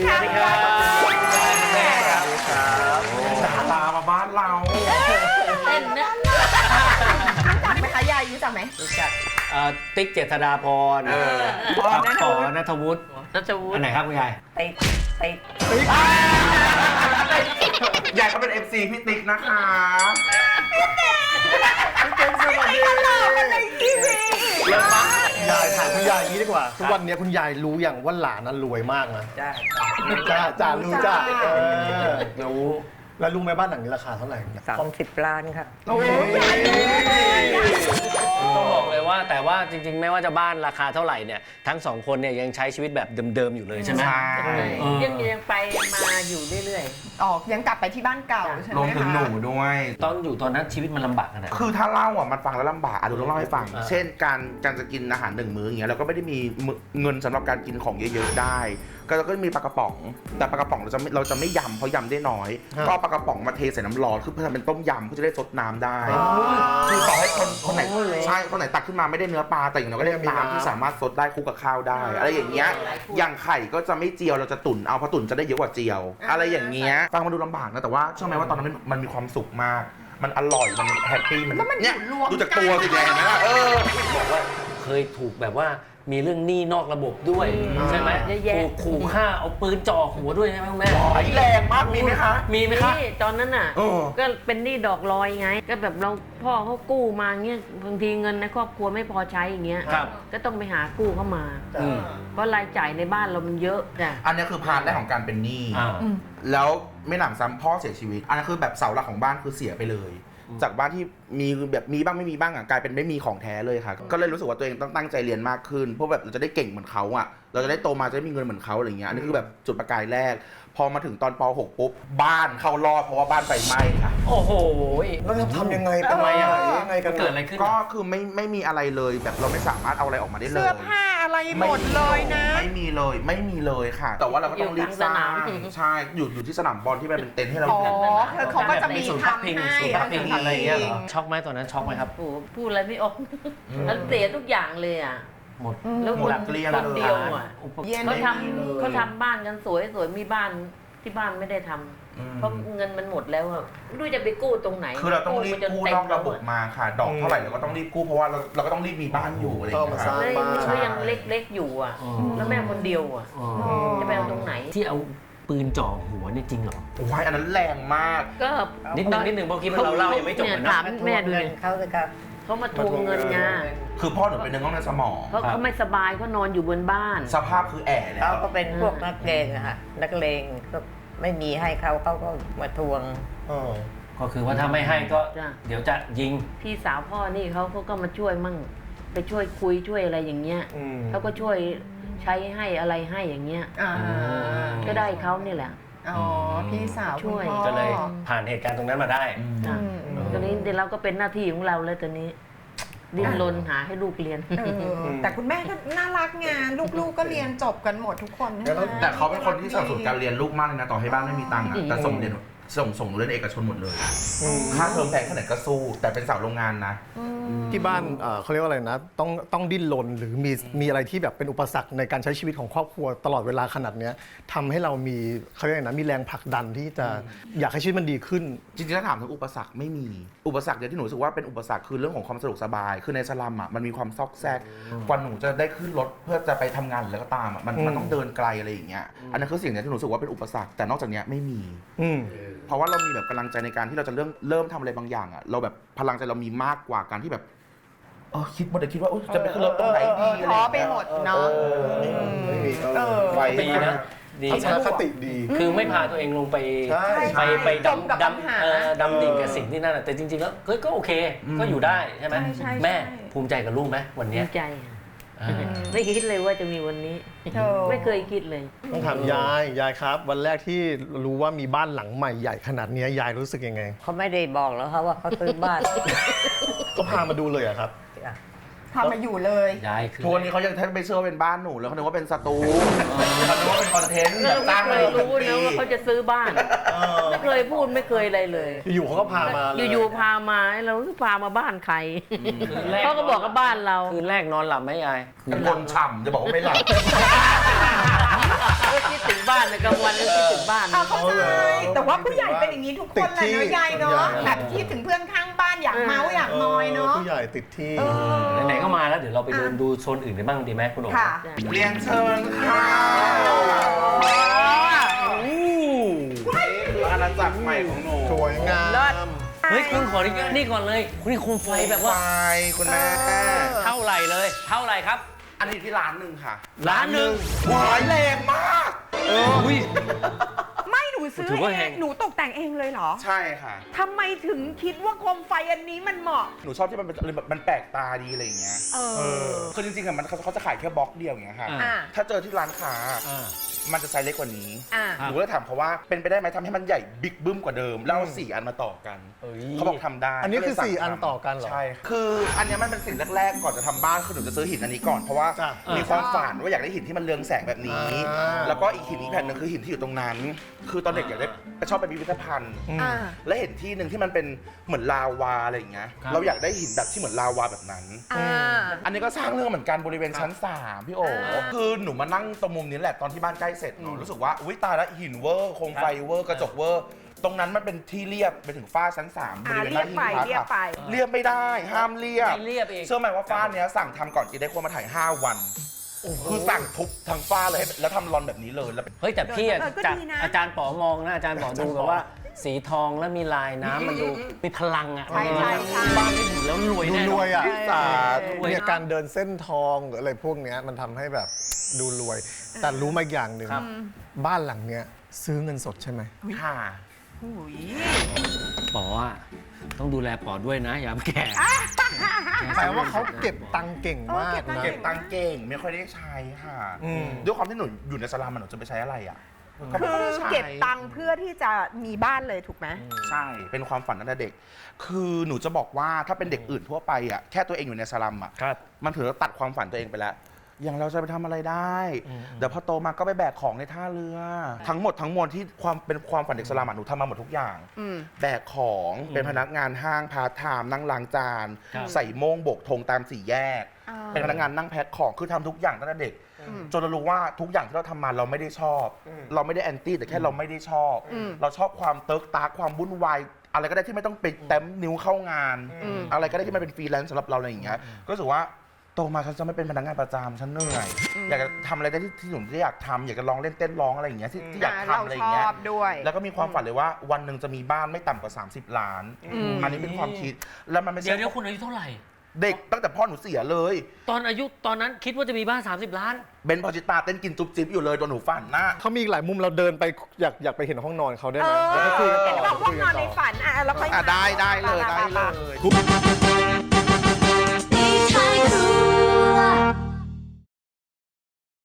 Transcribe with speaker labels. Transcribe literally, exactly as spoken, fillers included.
Speaker 1: ค่ะสวัสดีครับ
Speaker 2: แม่ครับดารามาบ้านเรา
Speaker 1: เต้นนะรู้จักไหมคะยายรู้จักไหมรู้จัก
Speaker 3: ติ๊กเจษฎาพรกับปอณัฐวุฒิณัฐวุฒิอันไหนครับคุณยาย
Speaker 1: ติ๊กติ๊ก
Speaker 2: ยายเขาเป็น เอฟ ซี พี่ติ๊กนะคะ
Speaker 4: ยายถามคุณยายอย่างนี้ดีกว่าทุกวันนี้คุณยายรู้อย่างว่าหลานนั้นรวยมากนะจ้าจ้าจ้ารู้จ้ารู้แล้วรู้ไหมบ้านหลังนี้ราคาเท่าไหร่
Speaker 5: สามสิบล้านค่ะ
Speaker 4: โอ้ย
Speaker 3: ต้องบอกเลยว่าแต่ว่าจริงๆไม่ว่าจะบ้านราคาเท่าไหร่เนี่ยทั้งสองคนเนี่ยยังใช้ชีวิตแบบเดิมๆอยู่เลยใช่ไหม
Speaker 1: ยังยังไปมาอยู่เรื่อยๆออกยังกลับไปที่บ้านเก่าใช่ไหมคะ
Speaker 2: รวมถึงหนูด้วย
Speaker 3: ตอนอยู่ตอนนั้นชีวิตมันลำบากขนาด
Speaker 2: คือถ้าเล่าอ่ะมันฟังแล้วลำบากอ่ะดูต้องเล่าให้ฟังเช่นการการจะกินอาหารหนึ่งมื้ออย่างเงี้ยเราก็ไม่ได้มีเงินสำหรับการกินของเยอะๆได้ก็เราก็มีปลากระป๋องแต่ปลากระป๋องเราจะเราจะไม่ยำเพราะยำได้น้อยก็ปลากระป๋องมาเทใส่น้ำร้อนคือเพื่อทำเป็นต้มยำเพื่อจะได้ซดน้ำได้คือต่อให้คนคนไหนใช่คนไหนตักขึ้นมาไม่ได้เนื้อปลาแต่อย่างน้อยก็ได้น้ำที่สามารถซดได้คู่กับข้าวได้อะไรอย่างเงี้ยอย่างไข่ก็จะไม่เจียวเราจะตุ๋นเอาเพราะตุ๋นจะได้เยอะกว่าเจียวอะไรอย่างเงี้ยฟังมาดูลำบากนะแต่ว่าเชื่อไหมว่าตอนนั้นมันมีความสุขมากมันอร่อยมันแฮปปี้มันเนี่ยดูจากตัวสิแกเห็นไหมล่ะเออ
Speaker 3: บอกว่าเคยถูกแบบว่ามีเรื่องหนี้นอกระบบด้วยใช่ไหมถูกขู่ฆ่าเอาปืนจ่อหัวด้วยใช่ไหมคุณแม่
Speaker 2: แรงมากมีไหมคะ
Speaker 3: มีไหมคะ
Speaker 1: ตอนนั้นอ่ะก็เป็นหนี้ดอกลอยไงก็แบบเราพ่อเขากู้มาเงี้ยบางทีเงินในครอบครัวไม่พอใช้อย่างเงี้ยก็ต้องไปหากู้เข้ามาเพราะรายจ่ายในบ้านเรามันเยอะจ้ะ
Speaker 2: อันนี้คือพาร์ทแรกของการเป็นหนี้แล้วไม่หนำซ้ำพ่อเสียชีวิตอันนั้นคือแบบเสาหลักของบ้านคือเสียไปเลยจากบ้านที่มีแบบมีบ้างไม่มีบ้างอ่ะกลายเป็นไม่มีของแท้เลยค่ะก็เลยรู้สึกว่าตัวเองต้องตั้งใจเรียนมากขึ้นเพราะแบบเราจะได้เก่งเหมือนเขาอ่ะเราจะได้โตมาจะได้มีเงินเหมือนเขาอะไรเงี้ยอันนี้คือแบบจุดประกายแรกพอมาถึงตอนป หก ปุ๊บบ้านเข้ารอดเพราะว่าบ้านไฟไหม้ค่ะ
Speaker 3: โอ้โห
Speaker 4: แล้วทำยังไงเป็นไงอ่ะยังไงกัน
Speaker 3: เกิดอะไรขึ้น
Speaker 2: ก็คือไม่ไม่มีอะไรเลยแบบเราไม่สามารถเอาอะไรออกมาได้เลย
Speaker 1: เสื้อผ้าอะไรหมดเลยนะ
Speaker 2: ไม่มีเลยไม่มีเลยค่ะแต่ว่าเราก็ต้องรีบสร้างใช่อยู่อยู่ที่สนามบอลที่มันเป็นเต็นท์ให้เรา
Speaker 1: อ๋อเขาก็จะมีทำให้
Speaker 3: อะไรเงี้ยช็อกไหมตอนนั้นช็อกไหมครับ
Speaker 1: พูดอะไรไม่ออกแล้วเสียทุกอย่างเลยอ่ะ
Speaker 3: หมด
Speaker 1: แล้วคนเดียวอ่ะเขาทำเขาทำบ้านกันสวยสวยมีบ้านที่บ้านไม่ได้ทำเพราะเงินมันหมดแล้วอะดูจะไปกู้ตรงไหน
Speaker 2: คือเราต้องรีบกู้นอกระบบมาค่ะดอกเท่าไหร่เราก็ต้องรีบกู้เพราะว่าเราเราก็ต้องรีบมีบ้านอยู่อะไรอย่างเงี้ยค่ะ
Speaker 1: แล้วยังเล็กๆอยู่อ่ะแล้วแม่คนเดียวอ่ะจะไปเอาตรงไหน
Speaker 3: ที่เอาปืนจ่อหัวนี่จริงเหรอ
Speaker 2: ว้ายอันนั้นแรงมาก
Speaker 1: ก็
Speaker 3: นิดนึงนิดนึงเพราะคิดว่าเราเล่ายังไม่จบเลยนะ
Speaker 1: ถามแม่ดูเลยเขาเลยครับเขามาทวงเงินไง
Speaker 2: คือพ่อหนูเป็นเนื้องอกในสมอง
Speaker 1: เพราะเขาไม่สบายเขานอนอยู่บนบ้าน
Speaker 2: สภาพคือแอ่แล้ว
Speaker 5: เขาก็เป็นพวกนักเลงอะค่ะนักเลงก็ไม่มีให้เขาเขาก็มาทวง
Speaker 3: ก็คือว่าถ้าไม่ให้ก็เดี๋ยวจะยิง
Speaker 1: พี่สาวพ่อนี่เขาเขาก็มาช่วยมั่งไปช่วยคุยช่วยอะไรอย่างเงี้ยเขาก็ช่วยใช้ให้อะไรให้อย่างเงี้ยก็ได้เขานี่แหละ
Speaker 6: อ๋อพี่สาว
Speaker 1: ช่วย
Speaker 3: ก็เลยผ่านเหตุการณ์ตรงนั้นมาได้
Speaker 1: ตอนนี้เดี๋ยวเราก็เป็นหน้าที่ของเราเลยตอนนี้ดิ้นรนหาให้ลูกเรียน
Speaker 6: แต่คุณแม่ก็น่ารักไงลูกๆก็เรียนจบกันหมดทุกคน
Speaker 2: แต่เขาเป็นคนที่สนับสนุนการเรียนลูกมากเลยนะต่อให้บ้านไม่มีตังค์แต่ส่งเรียนส่งส่งเรียนเอกชนหมดเลยค่าเทอมแพงแค่ไหนก็สู้แต่เป็นสาวโรงงานนะ
Speaker 4: ที่บ้านเขาเรียกว่าอะไรนะต้องต้องดิ้นรนหรือมีมีอะไรที่แบบเป็นอุปสรรคในการใช้ชีวิตของครอบครัวตลอดเวลาขนาดนี้ทำให้เรามีเขาเรียกนะมีแรงผลักดันที่จะอยากให้ชีวิตมันดีขึ้น
Speaker 2: จริงๆถ้าถามถึงอุปสรรคไม่มีอุปสรรคเดียวที่หนูรู้สึกว่าเป็นอุปสรรคคือเรื่องของความสะดวกสบายคือในสลัมอ่ะมันมีความซอกแซกกว่าหนูจะได้ขึ้นรถเพื่อจะไปทำงานหรืออะไรก็ตามอ่ะมันมันต้องเดินไกลอะไรอย่างเงี้ยอันนั้นคือสิ่งที่หนูรู้สึกว่าเป็นอุปสรรคแต่นอกจากนี้ไม่มีเพราะว่าเรามีแบบกำลังใจในการที่เราจะเริ่มเริ่มทำอะไรบางอย่างอ่ะเราแบบพลังใจเรามีมากกว่าการที่แบบเออคิดหมดเลยคิดว่าจะไปขึ้นรถตรงไหนดีอะไร
Speaker 6: ท้อไปหมดเนาะ
Speaker 3: ไฟดีนะดี
Speaker 4: ทัศนคติดี
Speaker 3: คือไม่พาตัวเองลงไปไปไปดำดำดำดิ่งกับสิ่งที่นั่นแต่จริงๆแล้วก็โอเคก็อยู่ได้ใช่ไหมแม่ภูมิใจกับลูกไหมวันนี้
Speaker 1: ภูมิใจไม่คิดเลยว่าจะมีวันนี้ไม่เคยคิดเลย
Speaker 4: ต้องถามยายยายครับวันแรกที่รู้ว่ามีบ้านหลังใหม่ใหญ่ขนาดนี้ยายรู้สึกยังไง
Speaker 5: เขาไม่ได้บอกแล้วครับว่าเขาซื้อบ้าน
Speaker 4: ก็พามาดูเลยอะครับ
Speaker 6: พามาอยู่เลย
Speaker 3: ยายคือ
Speaker 2: ทัวร์นี้เขายังแทบไม่เชื่อว่าเป็นบ้านหนูแล้วเขาคิดว่าเป็นสตูเขาคิดว่าเป็นคอนเทนต์แบบตั้ง
Speaker 1: เลยรู้นะว่าเขาจะซื้อบ้านไม่เคยพูดไม่เคยอะไรเลย
Speaker 4: อยู่เขาก็พามา
Speaker 1: อยู่ๆพามาเราพามาบ้านใครเขาก็บอกว่าบ้านเรา
Speaker 3: คืนแรกนอนหลับไหมยาย
Speaker 2: เป็นคนฉ่ำจะบอกว่าไม่หลับ
Speaker 1: ก็คิดถึงบ้านในกลางวันก็คิดถึงบ้าน
Speaker 6: อ่ะเข้าใจ
Speaker 4: เอาเหรอ
Speaker 6: แต่ว่าผู้ใหญ่เป็นอย่างนี้ทุกคนเลยเนาะยายเนาะแบบคิดถึงเพื่อนข้างบ้านอยากเมาส์อยากนอยเนาะ
Speaker 4: ผู้ใหญ่ติดที่
Speaker 6: เออ
Speaker 3: ไหนๆก็มาแล้วเดี๋ยวเราไปเดินดูโซนอื่นกันบ้างดีไหมคุณโอ๋
Speaker 6: ค่ะ
Speaker 2: เรียนเชิญค่ะนี่คืออาณาจักรใหม่ของหนู
Speaker 4: สวยงาม
Speaker 3: เฮ้ยคุณขออนุญาตนี่ก่อนเลยคุณนี่โคมไฟแบบว่า
Speaker 2: ไฟคุณแม่
Speaker 3: เท่าไหร่เลย เท่าไหร่ครับ
Speaker 2: อันนี้ที่ร้านหนึ่งค่ะ
Speaker 3: ล้านหนึ่ง
Speaker 2: หวายแรงมาก
Speaker 3: อุ้ย
Speaker 6: ไม่หนูซื้อ
Speaker 3: ถือว่า
Speaker 6: เอ
Speaker 3: แพ
Speaker 6: ง
Speaker 3: ง
Speaker 6: หนูตกแต่งเองเลยเหรอ
Speaker 2: ใช่ค่ะ
Speaker 6: ทำไมถึงคิดว่าโคมไฟอันนี้มันเหมาะ
Speaker 2: หนูชอบที่มันเป็นแบบมันแปลกตาดีอะไรอย่างเงี้ย
Speaker 6: เออ
Speaker 2: คือจริงๆอะมันเขาเขาจะขายแค่บล็อกเดียวอย่างเงี้ยค่ะ
Speaker 3: อ่า
Speaker 6: อ่ะ
Speaker 2: ถ้าเจอที่ร้านค้า
Speaker 3: อ่า
Speaker 2: มันจะไซส์เล็กกว่านี้
Speaker 6: อ่ะ
Speaker 2: หนูก็เลยถามเขาว่าเป็นไปได้ไหมทำให้มันใหญ่บิ๊กบึ้มกว่าเดิม แล้วเอาสี่อันมาต่อกัน
Speaker 3: เอ้ย
Speaker 2: เขาบอกทำได้
Speaker 4: อันนี้คือ
Speaker 2: ก็เลยสั่ง
Speaker 4: สี่อัน
Speaker 2: ทำ
Speaker 4: ต่อกันเหรอ
Speaker 2: ใช่ คืออันเนี้ยมันเป็นสิ่งแรกๆก่อนจะทำบ้านคือหนูจะซื้อหินอันนี้ก่อนเพราะว่า
Speaker 4: จ้ะ
Speaker 2: มีความฝันว่าอยากได้หินที่มันเรืองแสงแบบนี้
Speaker 4: อ่า
Speaker 2: แล้วก็อีกหินอีกแผ่นหนึงคือหินที่อยู่ตรงนั้น คือตอนเด็กอยากได้ชอบไปพิพิธภัณฑ์
Speaker 6: อ่ะ
Speaker 2: และเห็นที่หนึ่งที่มันเป็นเหมือนลาวาอะไรอย่างเงี้ย
Speaker 3: ครับ
Speaker 2: เราอยากได้หินแบบที่เหมือนลาวาแบบนั้น
Speaker 6: อ่า
Speaker 2: อันนี้ก็สร้างเรื่องเหมือนกันบริเวณชั้นสามพี่โอ๋
Speaker 6: อ่า
Speaker 2: คือหนูมานั่งตรงมุมนี้แหละตอนที่บ้านใกล้เสร็จหนูรู้สึกว่าอุ้ยตายแล้วหินเวอร์โคมไฟเวอร์กระจกเวอร์ ตรงนั้นมันเป็นที่เรียบไปถึงฝ้าชั้นสามบ
Speaker 6: อ่า
Speaker 2: ริเวณห
Speaker 6: เรีย
Speaker 2: น้า
Speaker 6: บ
Speaker 2: หิ้ง
Speaker 6: ไป
Speaker 2: พระ
Speaker 6: เรียบไป
Speaker 2: ค่ะเรียบไม่ได้ห้ามเรียบ
Speaker 3: ไม่เรียบเอง
Speaker 2: เชื่อไหมว่าฝ้าเนี้ยสั่งทำก่อนจีได้ควรมาถ่ายห้าวันคือสั่งทุบทั้งฝ้าเลยให้แล้วทำรอนแบบนี้เลยแล้ว
Speaker 3: เฮ้ยแต่พี่อะ
Speaker 6: เออก็
Speaker 3: จาก
Speaker 6: ดีนะ
Speaker 3: อาจารย์ป๋อมองนะอาจารย์ป๋อดูแบบว่า สีทองแล้วมีลายน้ำมันดูมีพลังอ่ะ
Speaker 6: ใช่ใช่ใช่
Speaker 3: บ้านที่อยู่แล้วรวย
Speaker 4: ดู
Speaker 3: แน่น
Speaker 4: ร
Speaker 3: อ
Speaker 4: วย
Speaker 3: น
Speaker 4: อ่ะ
Speaker 2: สาธุ
Speaker 4: เนี่ยการเดินเส้นทองหรืออะไรพวกเนี้ยมันทำให้แบบดูรวย แต่รู้มาอย่างหนึ่ง
Speaker 3: ครับ
Speaker 4: บ้านหลังเนี้ยซื้อเงินสดใช่ไหม
Speaker 2: ค่ะ
Speaker 6: อุ้ย
Speaker 3: ป๋ออะต้องดูแลป๋อด้วยนะอย่าแก่
Speaker 4: แปลว่าเขาเก็บตังค์เก่งมากนะ
Speaker 2: เก็บตังค์เก่งไม่ค่อยได้ใช้ค่ะ
Speaker 4: อืม
Speaker 2: ด้วยความที่หนูอยู่ในสลามมันหนูจะไปใช้อะไรอ่ะก็ไม่
Speaker 6: คื
Speaker 2: ค่อย
Speaker 6: อ
Speaker 2: ได้ใช้
Speaker 6: เก็บตังค์เพื่อที่จะมีบ้านเลยถูกไหม
Speaker 2: ใช่ เป็นความฝันตั้งแต่เด็ก คือหนูจะบอกว่าถ้าเป็นเด็กอื่นทั่วไปอ่ะ แค่ตัวเองอยู่ในสลัมอ่ะ
Speaker 3: ครับ
Speaker 2: มันถือว่าตัดความฝันตัวเองไปแล้ว อย่างเราจะไปทำอะไรได้ เดี๋ยวพอโตมาก็ไปแบกของในท่าเรือ ทั้งหมดทั้งมวลที่ความเป็นความฝันเด็กสลัมอะหนูทำมาหมดทุกอย่าง
Speaker 6: อืม
Speaker 2: แบกของเป็นพนักงานห้างพาร์ทไทม์นั่งล้างจาน
Speaker 3: ครับ
Speaker 2: ใส่โม่งโบกธงตามสี่แยก
Speaker 6: อ่า
Speaker 2: เป็นพนักงานนั่งแพ็คของคือทำทุกอย่างตั้งแต่เด็ก จนเรารู้ว่าทุกอย่างที่เราทำมาเราไม่ได้ชอบ เราไม่ได้แอนตี้แต่แค่เราไม่ได้ชอบ
Speaker 6: อืม
Speaker 2: เราชอบความเติร์กตาร์กความวุ่นวายอะไรก็ได้ที่ไม่ต้องไปแต้มนิ้วเข้างาน อะไรก็ได้ที่มันเป็นฟรีแลนซ์สำหรับเราอะไรอย่างเงี้ยก็รู้สึกว่าโตมาฉันจะไม่เป็นพนักงานประจำฉันเหนื่อยอยากจะทำอะไรได้ที่ที่หนูที่อยากทำอยากจะลองเล่นเต้นร้องอะไรอย่างเงี้ยที่ที่อยาก
Speaker 6: อ่า
Speaker 2: ทำอะไรอย่างเงี้
Speaker 6: เรา
Speaker 2: ย
Speaker 6: ชอบด้วย
Speaker 2: แล้วก็มีความฝันเลยว่าวันหนึ่งจะมีบ้านไม่ต่ำกว่า สามสิบ ล้าน อันนี้เป็นความคิดแล้วมันไม่
Speaker 3: เดี๋ยว
Speaker 2: ใช่
Speaker 3: เดี๋ยวคุณอายุเท่าไหร่
Speaker 2: เด็กตั้งแต่พ่อหนูเสียเลย
Speaker 3: ตอนอายุตอนนั้นคิดว่าจะมีบ้าน สามสิบ ล้าน
Speaker 2: เบนพอจิตาเต้นกินจุ๊บจิ๊บอยู่เลยตอนหนูฝันนะ
Speaker 4: เขามีอีกหลายมุมเราเดินไปอยากอยากไปเห็นห้องนอนเขาได้
Speaker 6: เอ
Speaker 4: ไหม
Speaker 6: อ
Speaker 4: แล้วก็คุยกันต่อ
Speaker 6: เห็นบอกห้องนอนในฝันอ่ะแล้วค่อย
Speaker 2: อ่ะได้ได้เลยได้เลย